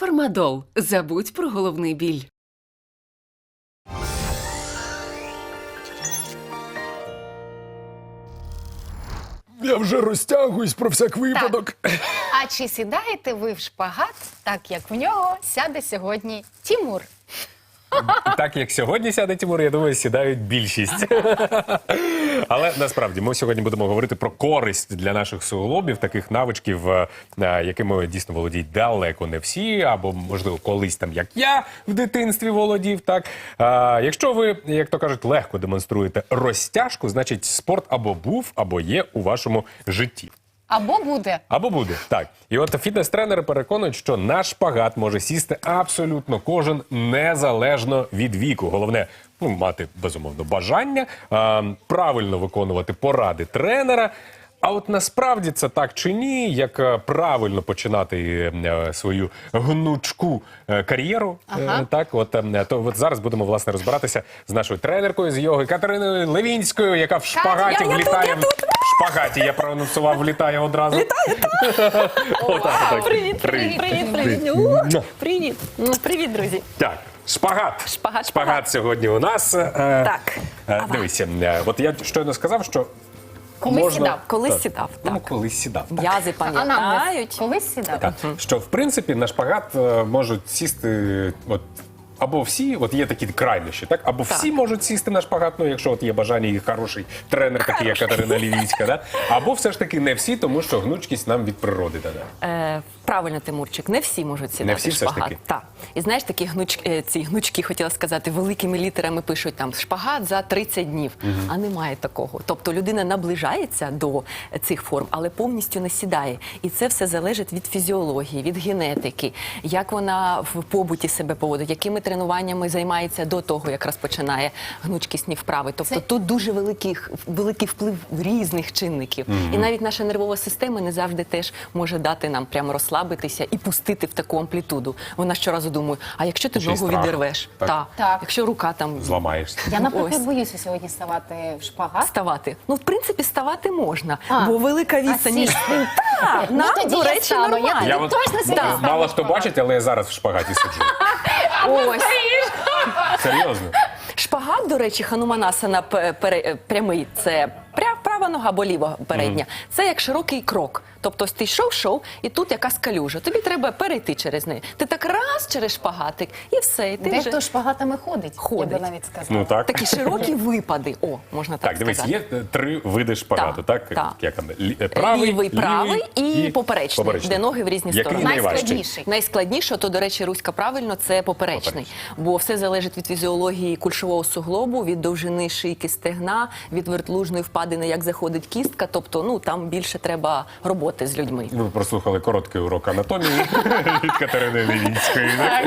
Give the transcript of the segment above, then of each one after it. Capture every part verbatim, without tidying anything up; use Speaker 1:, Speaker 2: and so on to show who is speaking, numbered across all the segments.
Speaker 1: Фармадол. Забудь про головний біль.
Speaker 2: Я вже розтягуюсь про всяк випадок.
Speaker 3: А чи сідаєте ви в шпагат, так як в нього сяде сьогодні Тімур?
Speaker 2: Так, як сьогодні сяде Тимур, я думаю, сідають більшість. Але насправді ми сьогодні будемо говорити про користь для наших суглобів, таких навичків, якими дійсно володіють далеко не всі, або, можливо, колись там, як я в дитинстві володів. Так, а, якщо ви, як то кажуть, легко демонструєте розтяжку, значить спорт або був, або є у вашому житті.
Speaker 3: Або буде.
Speaker 2: Або буде, так. І от фітнес-тренери переконують, що на шпагат може сісти абсолютно кожен, незалежно від віку. Головне, ну, мати, безумовно, бажання, а, правильно виконувати поради тренера. А от насправді це так чи ні, як правильно починати е, свою гнучку е, кар'єру,
Speaker 3: Ага.
Speaker 2: е, так, от, е, то от зараз будемо, власне, розбиратися з нашою тренеркою з йоги Катериною Левінською, яка в шпагаті
Speaker 3: я- я
Speaker 2: влітає. В шпагаті, я проанонсував, влітає одразу.
Speaker 4: Літає,
Speaker 2: так.
Speaker 4: Привіт, привіт, привіт, привіт. У, Привіт. Ну, Привіт, друзі.
Speaker 2: Так, шпагат.
Speaker 4: Шпагат,
Speaker 2: Шпагат сьогодні у нас. Е,
Speaker 4: Так.
Speaker 2: е, Дивіться, е, от я щойно сказав, що
Speaker 3: Колись
Speaker 2: можна...
Speaker 3: сідав.
Speaker 4: Колись
Speaker 2: Так.
Speaker 4: сідав,
Speaker 2: Ну,
Speaker 4: так.
Speaker 2: колись сідав. так.
Speaker 4: М'язи
Speaker 3: А нам
Speaker 4: пам'ятають.
Speaker 3: колись сідав?
Speaker 2: Так, що в принципі на шпагат е, можуть сісти от, або всі, от є такі крайнощі, так? Або
Speaker 4: Так.
Speaker 2: всі можуть сісти на шпагат, ну якщо от є бажання і хороший тренер, такий як Катерина Левінська, да? Або все ж таки не всі, тому що гнучкість нам від природи дане.
Speaker 4: Е, правильно, Тимурчик, не всі можуть сідати
Speaker 2: Не всі
Speaker 4: в
Speaker 2: все ж
Speaker 4: шпагат.
Speaker 2: таки?
Speaker 4: Так. І знаєш, такі гнуч, е, ці гнучки, хотіла сказати, великими літерами пишуть там шпагат за тридцять днів. А немає такого. Тобто людина наближається до цих форм, але повністю не сідає. І це все залежить від фізіології, від генетики, як вона в побуті себе поводить, якими тренуваннями займається до того, як розпочинає гнучкісні вправи. Тобто
Speaker 3: Це-
Speaker 4: тут дуже великий, великий вплив різних чинників. І навіть наша нервова система не завжди теж може дати нам прямо розслабитися і пустити в таку амплітуду. Вона щоразу думає, а якщо ти
Speaker 2: Ще й
Speaker 4: ногу
Speaker 2: страх.
Speaker 4: відірвеш?
Speaker 2: Так.
Speaker 4: Та.
Speaker 3: Так.
Speaker 4: Якщо рука там
Speaker 2: Зламаєшся.
Speaker 3: Я, наприклад,
Speaker 4: Ось.
Speaker 3: боюся сьогодні ставати в шпагат.
Speaker 4: ставати. Ну, в принципі, ставати можна,
Speaker 3: А,
Speaker 4: бо велика відстань. між-
Speaker 3: сісти.
Speaker 4: Так,
Speaker 3: Ну,
Speaker 4: нам,
Speaker 3: тоді
Speaker 4: до
Speaker 3: я
Speaker 4: речі,
Speaker 3: стану. Я
Speaker 4: нормально.
Speaker 3: тоді
Speaker 2: Я от,
Speaker 3: точно сьогодні
Speaker 2: е,
Speaker 3: ставлю
Speaker 2: мало хто
Speaker 3: шпагат.
Speaker 2: бачить, але я зараз в шпагаті сиджу.
Speaker 4: Ось.
Speaker 2: Серйозно.
Speaker 4: Шпагат, до речі, хануманасана п- пере- прямий, це пря- права нога або ліва передня. Це як широкий крок. Тобто ось ти йшов-йшов, і тут якась калюжа. Тобі треба перейти через неї. Ти так раз через шпагатик, і все. І ти
Speaker 3: Дехто
Speaker 4: вже...
Speaker 3: шпагатами ходить,
Speaker 4: Ходить.
Speaker 3: я би навіть сказала.
Speaker 2: Ну так.
Speaker 4: Такі широкі випади. О, можна так,
Speaker 2: Так, дивись,
Speaker 4: сказати.
Speaker 2: є е, три види шпагату, так?
Speaker 4: Так, так.
Speaker 2: Як там? Лі- е, Правий,
Speaker 4: Лівий, правий і, поперечний,
Speaker 2: поперечний.
Speaker 4: де ноги в різні
Speaker 2: Який
Speaker 4: сторони.
Speaker 2: найважчий?
Speaker 3: Найскладніший.
Speaker 4: Найскладніше, то, до речі, Руська правильно, це поперечний. Бо все залежить від фізіології кульшового суглобу, від довжини шийки стегна, від вертлужної впадини, як заходить кістка. Тобто, ну, там більше треба роботи з людьми.
Speaker 2: Ви прослухали короткий урок анатомії від Катерини Левінської. так?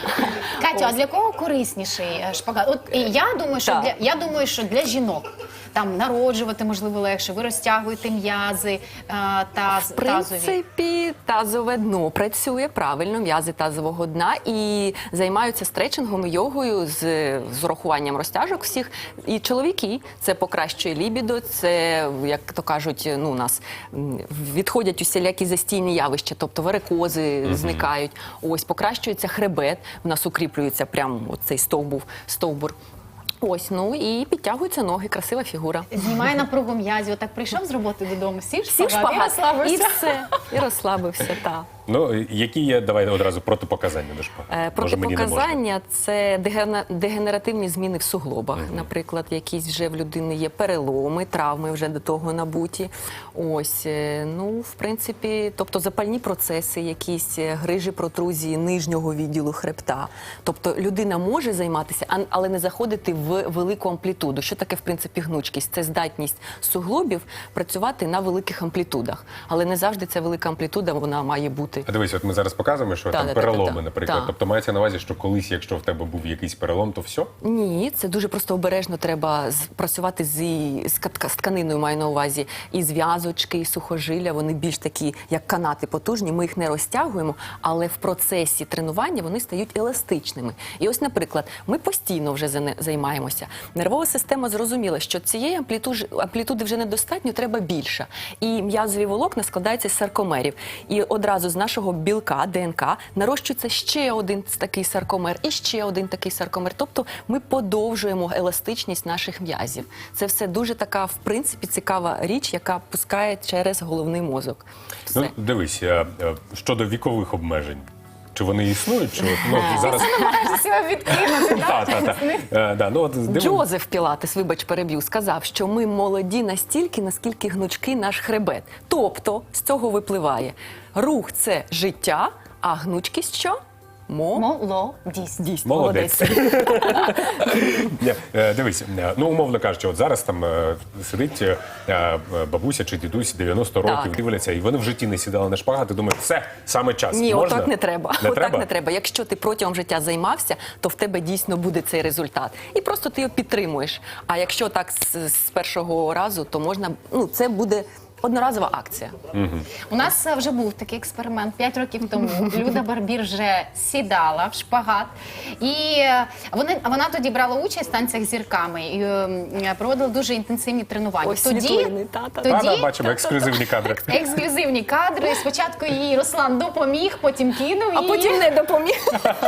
Speaker 3: Катю, а для кого корисніший е, шпагат? От і я думаю, що
Speaker 4: Так.
Speaker 3: для я думаю, що для жінок там народжувати можливо легше. Ви розтягуєте м'язи е, таз,
Speaker 4: В
Speaker 3: тазові.
Speaker 4: принципі, тазове дно працює правильно, м'язи тазового дна, і займаються стретчингом і йогою з, з урахуванням розтяжок всіх. І чоловіки, це покращує лібідо, це, як то кажуть, ну, у нас м, відходять усілякі застійні явища, тобто варикози зникають. Ось, покращується хребет, у нас укріплюється прямо цей стовбур, стовбур. Ось, ну і підтягуються ноги, красива фігура.
Speaker 3: Знімає напругу м'язів. Отак прийшов з роботи додому, сів
Speaker 4: Сів
Speaker 3: шпагат, і
Speaker 4: шпагат, і
Speaker 3: розслабився.
Speaker 4: все, і розслабився, так.
Speaker 2: Ну, які є, давай одразу, протипоказання до шпагату?
Speaker 4: Е,
Speaker 2: Може, мені не можна?
Speaker 4: Протипоказання – це дегена- дегенеративні зміни в суглобах. Наприклад, якісь вже в людини є переломи, травми вже до того набуті. Ось, е, ну, в принципі, тобто запальні процеси, якісь е, грижі, протрузії нижнього відділу хребта. Тобто людина може займатися, а- але не заходити в велику амплітуду. Що таке, в принципі, гнучкість? Це здатність суглобів працювати на великих амплітудах. Але не завжди ця велика амплітуда, вона має бути.
Speaker 2: А дивись, от ми зараз показуємо, що
Speaker 4: Та,
Speaker 2: там
Speaker 4: та, та,
Speaker 2: переломи,
Speaker 4: та.
Speaker 2: наприклад.
Speaker 4: Та.
Speaker 2: Тобто мається на увазі, що колись, якщо в тебе був якийсь перелом, то все?
Speaker 4: Ні, це дуже просто обережно треба з- працювати з, і- з кат- з тканиною, маю на увазі. І зв'язочки, і сухожилля, вони більш такі, як канати потужні, ми їх не розтягуємо, але в процесі тренування вони стають еластичними. І ось, наприклад, ми постійно вже зане- займаємося. Нервова система зрозуміла, що цієї амплітуди, амплітуди вже недостатньо, треба більше. І м'язові волокна складаються з саркомерів. І одразу знаєте, нашого білка, ДНК, нарощується ще один такий саркомер і ще один такий саркомер. Тобто ми подовжуємо еластичність наших м'язів. Це все дуже така, в принципі, цікава річ, яка пускає через головний мозок. Все.
Speaker 2: Ну, дивись, е, е, щодо вікових обмежень. Чи вони існують? Чи от, ну, зараз...
Speaker 3: Намагаєшся себе відкинути,
Speaker 2: Та,
Speaker 3: так?
Speaker 2: та, та. Е, да, ну, от, дивимо-
Speaker 4: Джозеф Пілатес, вибач, переб'ю, сказав, що ми молоді настільки, наскільки гнучкий наш хребет. Тобто, з цього випливає, рух – це життя, а гнучкість що? Мо?
Speaker 3: Молодість.
Speaker 4: Дійсно,
Speaker 2: Молодець. Ні, е, Дивись, е, ну умовно кажучи, от зараз там е, сидить е, е, бабуся чи дідусь дев'яносто років,
Speaker 4: Так.
Speaker 2: дивляться, і вони в житті не сідали на шпагат, і думають, все, саме час.
Speaker 4: Ні,
Speaker 2: Можна?
Speaker 4: отак не треба.
Speaker 2: Не
Speaker 4: отак
Speaker 2: треба?
Speaker 4: не треба. Якщо ти протягом життя займався, то в тебе дійсно буде цей результат. І просто ти його підтримуєш. А якщо так з, з першого разу, то можна, ну, це буде одноразова акція.
Speaker 3: У нас е, вже був такий експеримент п'ять років тому. Люда Барбір вже сідала в шпагат, і е, вони, вона тоді брала участь в танцях з зірками і е, проводила дуже інтенсивні тренування.
Speaker 4: Ось
Speaker 3: тоді,
Speaker 4: світлини, та-та.
Speaker 3: тоді
Speaker 2: Та-да, бачимо ексклюзивні кадри.
Speaker 3: ексклюзивні кадри. Спочатку їй Руслан допоміг, потім кинув
Speaker 4: А
Speaker 3: її.
Speaker 4: потім не допоміг.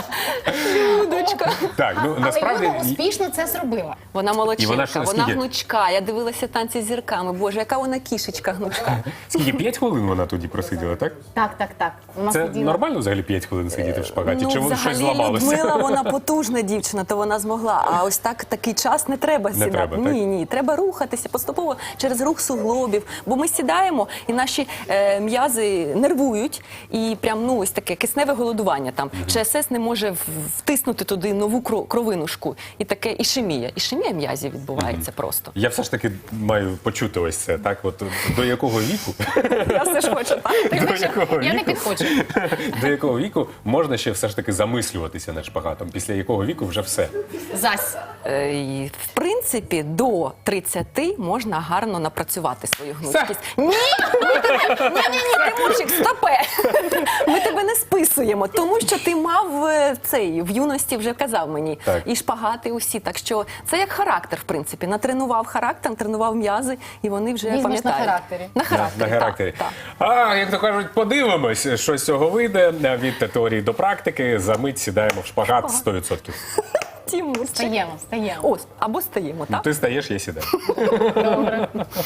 Speaker 4: Людочка.
Speaker 2: Так, ну насправді
Speaker 3: Але Люда успішно це зробила.
Speaker 4: Вона молодчинка,
Speaker 2: І вона
Speaker 4: вона,
Speaker 2: що, скільки?
Speaker 4: гнучка. Я дивилася танці з зірками. Боже, яка вона кішечка гнучка.
Speaker 2: скільки п'ять хвилин вона тоді просиділа, так?
Speaker 3: Так, так, так. Вона
Speaker 2: Це
Speaker 3: сиділа.
Speaker 2: нормально взагалі п'ять хвилин сидіти в шпагаті?
Speaker 4: Ну,
Speaker 2: Чи воно щось
Speaker 4: взагалі,
Speaker 2: зламалося?
Speaker 4: Людмила, вона потужна дівчина, то вона змогла. А ось так такий час не треба
Speaker 2: Не
Speaker 4: сідати.
Speaker 2: треба, так?
Speaker 4: ні, ні, треба рухатися поступово через рух суглобів. Бо ми сідаємо, і наші е, м'язи нервують, і прям ну ось таке кисневе голодування там. ЧСС не може в- втиснути туди нову кро- кровинушку. І таке ішемія. Ішемія м'язів відбувається просто.
Speaker 2: Я все ж таки маю почути ось це, так? От до якого віку?
Speaker 4: Я все ж хочу, так?
Speaker 2: До якого
Speaker 3: Я не
Speaker 2: віку?
Speaker 3: підходжу.
Speaker 2: До якого віку можна ще все ж таки замислюватися над шпагатом? Після якого віку вже все?
Speaker 3: Зась.
Speaker 4: Е, і, В принципі, до тридцяти можна гарно напрацювати свою гнучкість. Ні, ми тебе, ні, ні, ні, Тимурчик, стопе. Ми тебе не списуємо, тому що ти мав е, цей в юності вже казав мені
Speaker 2: Так.
Speaker 4: і шпагати усі. Так що це як характер, в принципі. Натренував характер, тренував м'язи, і вони вже
Speaker 3: Візьмеш на
Speaker 4: пам'ятають.
Speaker 3: характері.
Speaker 4: На характері.
Speaker 2: На характері.
Speaker 4: Так, так.
Speaker 2: А, як то кажуть, подивимось, що з цього вийде від теорії до практики. За мить сідаємо в шпагат сто відсотків.
Speaker 4: Тимурчик.
Speaker 3: Стаємо, стаємо.
Speaker 4: Ось, або стаємо, так?
Speaker 2: Ти стаєш, я сідаю.
Speaker 3: Добре.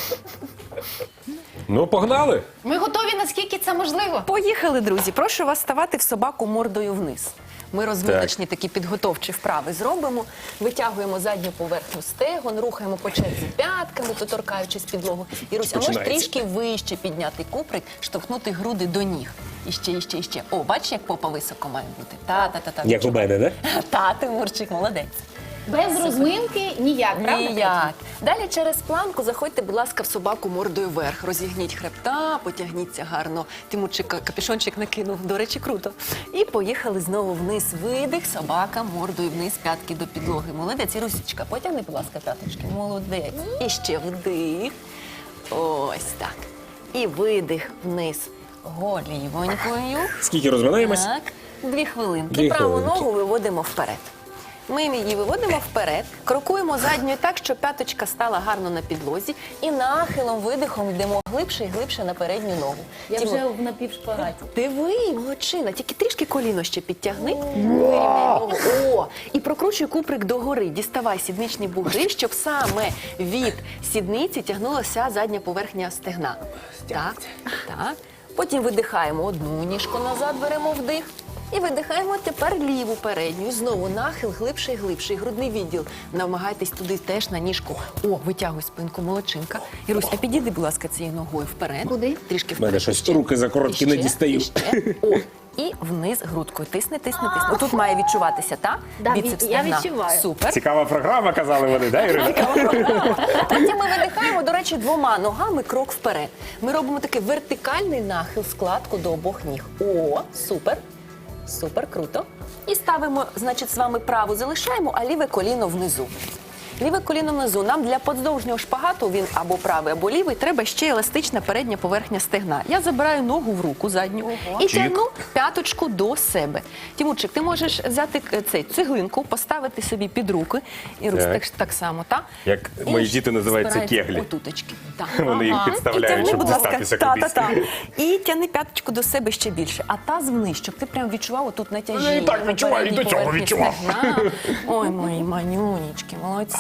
Speaker 2: Ну, погнали!
Speaker 3: Ми готові, наскільки це можливо.
Speaker 4: Поїхали, друзі. Прошу вас ставати в собаку мордою вниз. Ми розвиточні такі підготовчі вправи зробимо. Витягуємо задню поверхню стегон, рухаємо по черзі п'ятками, доторкаючись підлогу. Ірусь, а можеш
Speaker 2: Починається.
Speaker 4: трішки вище підняти куприк, штовхнути груди до ніг. Іще, іще, іще. О, бачиш, як попа високо має бути? Та-та-та-та.
Speaker 2: Як у мене, не?
Speaker 4: Та, Тимурчик, молодець.
Speaker 3: Без розминки ніяк, правда?
Speaker 4: Ніяк. Далі через планку заходьте, будь ласка, в собаку мордою вверх. Розігніть хребта, потягніться гарно. Тимурчик капюшончик накинув, до речі, круто. І поїхали знову вниз. Видих, собака мордою вниз, п'ятки до підлоги. Молодець. Ірусічка, потягни, будь ласка, п'яточки. Молодець. І ще вдих. Ось так. І видих вниз голівонькою.
Speaker 2: Скільки розминаємось?
Speaker 4: Так, дві хвилинки.
Speaker 2: Дві
Speaker 4: Праву
Speaker 2: хвилинки.
Speaker 4: ногу виводимо вперед. Ми її виводимо вперед, крокуємо задньою так, щоб п'яточка стала гарно на підлозі, і нахилом, видихом йдемо глибше і глибше на передню ногу.
Speaker 3: Я
Speaker 4: Тимур,
Speaker 3: вже в напівшпагаті.
Speaker 4: диви, молодчина, тільки трішки коліно ще підтягни, вирівняй ногу. О, і прокручуй куприк догори, діставай сідничні бугри, щоб саме від сідниці тягнулася задня поверхня стегна. Так, так. Потім видихаємо одну ніжку назад, беремо вдих. І видихаємо тепер ліву передню. І знову нахил глибше і глибше. І грудний відділ. Намагайтесь туди теж на ніжку. О, витягуй спинку, молодчинка. Ірусь, а підійди, будь ласка, цією ногою вперед.
Speaker 3: Куди?
Speaker 4: Трішки
Speaker 2: У мене
Speaker 4: вперед.
Speaker 2: щось
Speaker 4: Іще.
Speaker 2: руки закороткі,
Speaker 4: Іще,
Speaker 2: не дістаю.
Speaker 4: іще. О, і вниз грудкою. Тисни, тисни, тисни. Тут має відчуватися, так?
Speaker 3: Да,
Speaker 4: Біцепс
Speaker 3: я
Speaker 4: стегна.
Speaker 3: відчуваю.
Speaker 4: Супер.
Speaker 2: Цікава програма, казали вони, да, Ірина?
Speaker 4: Потім ми видихаємо, до речі, двома ногами крок вперед. Ми робимо такий вертикальний нахил, складку до обох ніг. О, супер. Супер, круто. І ставимо, значить, з вами праву залишаємо, а ліве коліно внизу. Ліве коліно внизу. Нам для подовжнього шпагату, він або правий, або лівий, треба ще еластична передня поверхня стегна. Я забираю ногу в руку задню і
Speaker 2: Чик.
Speaker 4: тягну п'яточку до себе. Тимурчик, ти можеш взяти е, цей цеглинку, поставити собі під руки. І Русь,
Speaker 2: Так.
Speaker 4: так, так само, так?
Speaker 2: Як
Speaker 4: І
Speaker 2: мої діти називають це
Speaker 4: збирається
Speaker 2: кеглі.
Speaker 4: Отуточки. Так.
Speaker 2: Вони їх
Speaker 4: І
Speaker 2: підставляють,
Speaker 4: тягни,
Speaker 2: щоб
Speaker 4: будь ласка,
Speaker 2: дістатися
Speaker 4: та,
Speaker 2: кудись.
Speaker 4: та, та. І тягни п'яточку до себе ще більше. А таз вниз, щоб ти прям відчував отут натяжіння.
Speaker 2: Я і так
Speaker 4: на
Speaker 2: відчуваю, і
Speaker 4: передній
Speaker 2: до цього
Speaker 4: поверхні
Speaker 2: відчував.
Speaker 4: стегна. Ой, мої манюнічки, молодці.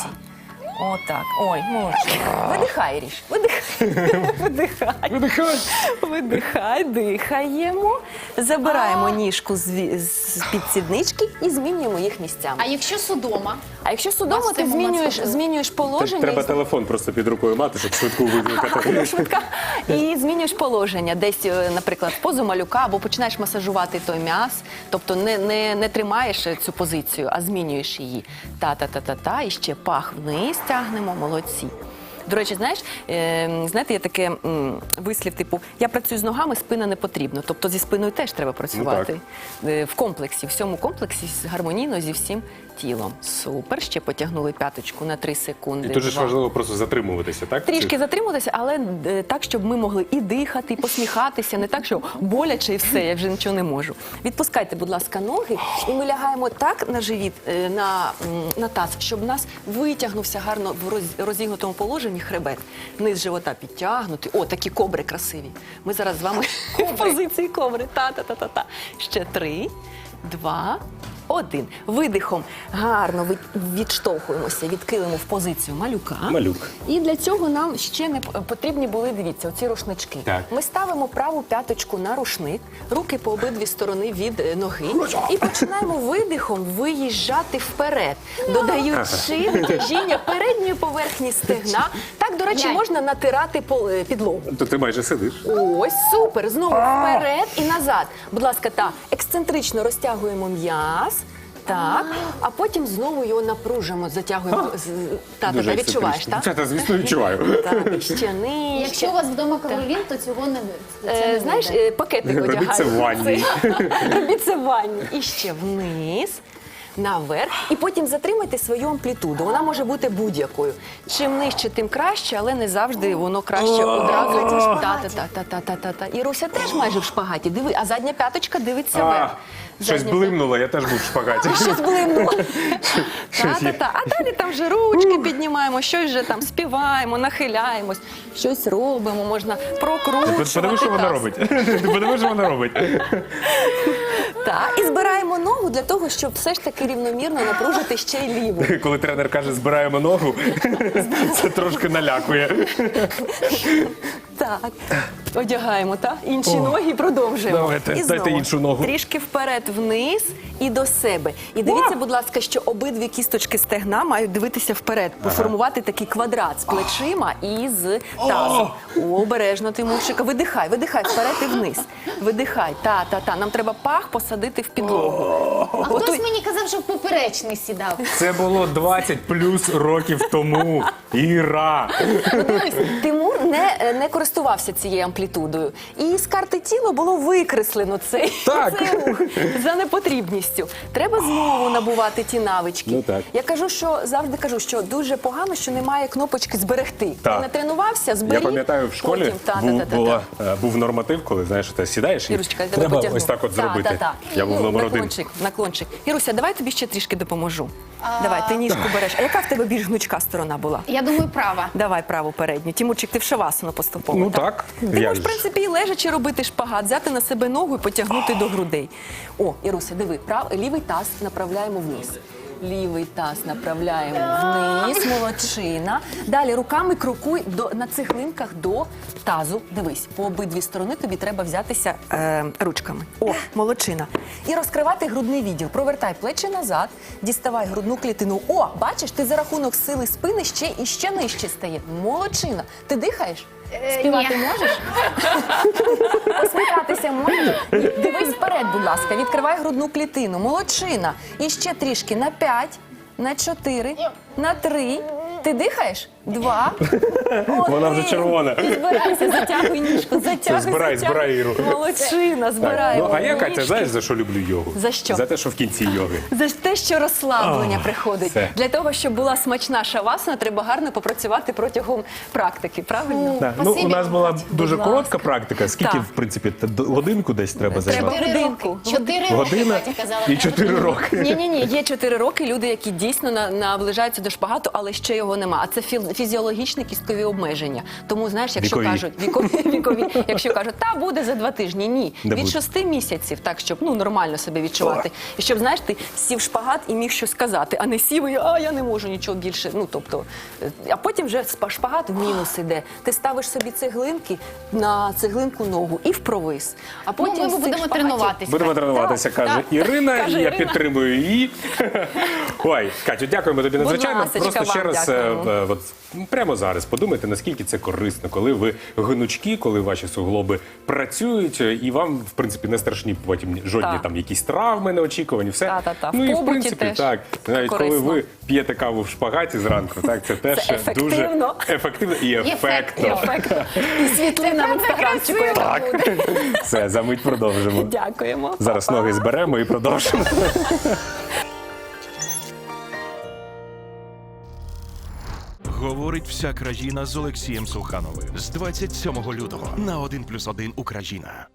Speaker 4: Отак. Ой, молодці. Видихай, Ріш. Видихай. Видихай.
Speaker 2: Видихай.
Speaker 4: Видихай, дихаємо. Забираємо ніжку з ві- з під сіднички і змінюємо їх місцями.
Speaker 3: А якщо судома?
Speaker 4: А якщо судомо,
Speaker 3: Вас
Speaker 4: ти
Speaker 3: цей момент
Speaker 4: змінюєш,
Speaker 3: схопив.
Speaker 4: змінюєш положення.
Speaker 2: Треба
Speaker 4: і
Speaker 2: телефон просто під рукою мати, щоб швидку викликати.
Speaker 4: швидка. І змінюєш положення десь, е, наприклад, в позу малюка, або починаєш масажувати той м'яз, тобто не, не, не тримаєш цю позицію, а змінюєш її. Та-та-та-та-та, і ще пах вниз тягнемо, молодці. До речі, знаєш, е, знаєте, є таке м, вислів, типу, я працюю з ногами, спина не потрібна. Тобто зі спиною теж треба працювати. Е, в комплексі, в всьому комплексі, гармонійно зі всім тілом. Супер, ще потягнули п'яточку на три секунди.
Speaker 2: І тут же ж
Speaker 4: Два.
Speaker 2: важливо просто затримуватися, так?
Speaker 4: Трішки затримуватися, але е, так, щоб ми могли і дихати, і посміхатися, не так, що боляче і все, я вже нічого не можу. Відпускайте, будь ласка, ноги, і ми лягаємо так на живіт, е, на, м, на таз, щоб у нас витягнувся гарно в роз- розігнутому положенні хребет. Низ живота підтягнути. О, такі кобри красиві. Ми зараз з вами в позиції кобри. Та-та-та-та-та. Ще три, два, один. Видихом гарно ви- відштовхуємося, відкилимо в позицію малюка.
Speaker 2: Малюк.
Speaker 4: І для цього нам ще не п- потрібні були, дивіться, оці рушнички.
Speaker 2: Так.
Speaker 4: Ми ставимо праву п'яточку на рушник, руки по обидві сторони від е, ноги і починаємо видихом виїжджати вперед, додаючи натяжіння передньої поверхні стегна. Так, до речі,
Speaker 3: Глянь.
Speaker 4: можна натирати пол- е, підлогу.
Speaker 2: То ти майже сидиш.
Speaker 4: Ось, супер. Знову вперед і назад. Будь ласка, так, ексцентрично розтягуємо м'яз. Так, а потім знову його напружимо, затягуємо. з- Та, та, та, відчуваєш, так?
Speaker 2: Це, та, звісно, відчуваю.
Speaker 4: Так, ще нижче.
Speaker 3: Якщо у вас вдома каролін, то цього не це
Speaker 4: Е,
Speaker 3: не
Speaker 4: знаєш,
Speaker 3: вийде.
Speaker 4: е, пакетик
Speaker 2: Робіть
Speaker 4: одягаємо.
Speaker 2: це в ванні.
Speaker 4: Робіть це в ванні. І ще вниз. Наверх, і потім затримайте свою амплітуду. Вона може бути будь-якою. Чим нижче, тим краще, але не завжди воно краще одразу. Та-та-та-та-та-та-та. І Руся теж майже в шпагаті. Диви, а задня п'яточка дивиться
Speaker 2: А,
Speaker 4: вверх.
Speaker 2: щось
Speaker 4: Задня
Speaker 2: блимнуло, я теж був в шпагаті.
Speaker 4: Щось блимнуло. Та-та-та. А далі там вже ручки піднімаємо, щось вже там співаємо, нахиляємось, щось робимо, можна прокручувати.
Speaker 2: Подиви, що вона
Speaker 4: таз.
Speaker 2: робить. Подиви, що вона робить.
Speaker 4: Так, і збираємо ногу для того, щоб все ж таки рівномірно напружити ще й ліву.
Speaker 2: Коли тренер каже, збираємо ногу, це трошки налякує.
Speaker 4: Так, одягаємо, так? Інші ноги і продовжуємо.
Speaker 2: Давайте,
Speaker 4: і
Speaker 2: дайте
Speaker 4: знову
Speaker 2: іншу ногу.
Speaker 4: Трішки вперед, вниз і до себе. І дивіться, будь ласка, що обидві кісточки стегна мають дивитися вперед, поформувати такий квадрат з плечима і з тазом. О, обережно, Тимурчика. Видихай, видихай вперед і вниз. Видихай, та-та-та. Нам треба пах посадити в підлогу.
Speaker 3: А
Speaker 4: Ото-
Speaker 3: хтось мені казав, що в поперечний сідав.
Speaker 2: Це було двадцять плюс років тому. Іра.
Speaker 4: Ну, дивись, Тимур не, не користувався цією амплітудою. І з карти тіла було викреслено цей,
Speaker 2: Так.
Speaker 4: цей рух за непотрібністю. Треба знову набувати ті навички.
Speaker 2: Ну, так.
Speaker 4: Я кажу, що завжди кажу, що дуже погано, що немає кнопочки зберегти.
Speaker 2: Так.
Speaker 4: Ти не тренувався, зберіг.
Speaker 2: Я пам'ятаю, в школі
Speaker 4: потім, та,
Speaker 2: був,
Speaker 4: та, та, та,
Speaker 2: була,
Speaker 4: та.
Speaker 2: е, був норматив, коли знаєш, ти сідаєш і
Speaker 4: Ірусечка, я тебе
Speaker 2: треба
Speaker 4: потягну.
Speaker 2: ось так от
Speaker 4: Та,
Speaker 2: зробити.
Speaker 4: та, та.
Speaker 2: Я був
Speaker 4: Ну,
Speaker 2: номер один.
Speaker 4: наклончик, наклончик. Іруся, давай тобі ще трішки допоможу. Давай, ти ніжку береш. А яка в тебе більш гнучка сторона була?
Speaker 3: Я думаю, права.
Speaker 4: Давай праву передню. Тимурчик, ти в шавасану поступово.
Speaker 2: Ну так,
Speaker 4: Ти
Speaker 2: як
Speaker 4: можеш, в
Speaker 2: же.
Speaker 4: принципі, і лежачи робити шпагат, взяти на себе ногу і потягнути до грудей. О, Іруся, диви, прав... лівий таз направляємо вниз. Лівий таз направляємо вниз, молодчина. Далі руками крокуй до, на цеглинках до тазу. Дивись, по обидві сторони тобі треба взятися е, ручками. О, молодчина. І розкривати грудний відділ. Провертай плечі назад, діставай грудну клітину. О, бачиш, ти за рахунок сили спини ще і ще нижче стає. Молодчина. Ти дихаєш?
Speaker 3: Е,
Speaker 4: Співати
Speaker 3: ні.
Speaker 4: можеш? Посміхатися можеш? Дивись вперед, будь ласка. Відкривай грудну клітину. Молодчина. І ще трішки на п'ять, на чотири, на три. Ти дихаєш? два.
Speaker 2: Вона вже червона.
Speaker 4: І збирайся, затягуй ніжку, затягуй,
Speaker 2: Збирай,
Speaker 4: затягуй.
Speaker 2: збирай, Іру.
Speaker 4: Молодчина,
Speaker 2: Так,
Speaker 4: збирай.
Speaker 2: ну, а я, Катя,
Speaker 4: ніжки.
Speaker 2: знаєш, за що люблю йогу?
Speaker 4: За що?
Speaker 2: За те, що в кінці йоги.
Speaker 4: За те, що розслаблення приходить.
Speaker 2: все.
Speaker 4: Для того, щоб була смачна шавасана, треба гарно попрацювати протягом практики, правильно?
Speaker 2: Да. Ну, у
Speaker 3: Спасибі,
Speaker 2: нас була
Speaker 3: Катя.
Speaker 2: дуже
Speaker 4: Будь
Speaker 2: коротка
Speaker 4: ласка.
Speaker 2: практика. Скільки,
Speaker 4: Так.
Speaker 2: в принципі, та- до- годинку десь треба
Speaker 4: Треба
Speaker 2: займати?
Speaker 3: Чотири
Speaker 4: годинку.
Speaker 3: роки. Чотири роки,
Speaker 2: Година
Speaker 3: Катя казала.
Speaker 2: і чотири роки.
Speaker 4: Ні, ні, ні, є чотири роки люди, які дійсно на- наближаються до шпагату, але ще його нема. А це фі- фізіологічні кісткові обмеження. Тому знаєш, якщо
Speaker 2: Вікові.
Speaker 4: кажуть вікові, вікові, якщо кажуть, та буде за два тижні. Ні,
Speaker 2: Не
Speaker 4: від
Speaker 2: буде.
Speaker 4: шести місяців, так щоб ну нормально себе відчувати. І щоб знаєш, ти сів шпагат і міг щось сказати, а не сів і а я не можу нічого більше. Ну тобто, е, а потім вже спа- шпагат в мінус іде. Ти ставиш собі цеглинки на цеглинку ногу і в провис. А потім
Speaker 3: Ну, ми
Speaker 4: з цих
Speaker 3: будемо
Speaker 4: шпагатів-
Speaker 3: тренуватися.
Speaker 2: Будемо тренуватися,
Speaker 4: Так,
Speaker 2: каже
Speaker 4: так.
Speaker 2: Ірина,
Speaker 4: Каже
Speaker 2: і я
Speaker 4: Ірина.
Speaker 2: підтримую її. Ой, Катю, дякуємо тобі
Speaker 4: Будь
Speaker 2: надзвичайно.
Speaker 4: ласочка,
Speaker 2: Просто ще
Speaker 4: вам
Speaker 2: раз, е,
Speaker 4: дякуємо.
Speaker 2: е, от, прямо зараз подумайте, наскільки це корисно, коли ви гнучкі, коли ваші суглоби працюють, е, і вам, в принципі, не страшні потім жодні
Speaker 4: Так.
Speaker 2: там якісь травми неочікувані. Все.
Speaker 4: Та-та-та. В
Speaker 2: Ну і в
Speaker 4: побуті
Speaker 2: принципі,
Speaker 4: теж
Speaker 2: так. Навіть коли
Speaker 4: корисно.
Speaker 2: ви п'єте каву в шпагаті зранку, так, це теж
Speaker 4: Це
Speaker 2: дуже
Speaker 4: ефективно.
Speaker 2: ефективно і ефектно.
Speaker 3: ефектно.
Speaker 4: Ефектно. І світлина в інстаграмчику, яка буде.
Speaker 2: Все, за мить продовжимо.
Speaker 4: Дякуємо.
Speaker 2: Зараз
Speaker 4: Па-па.
Speaker 2: ноги зберемо і продовжимо.
Speaker 5: Говорить вся країна з Олексієм Сухановим з двадцять сьомого лютого на один плюс один Україна.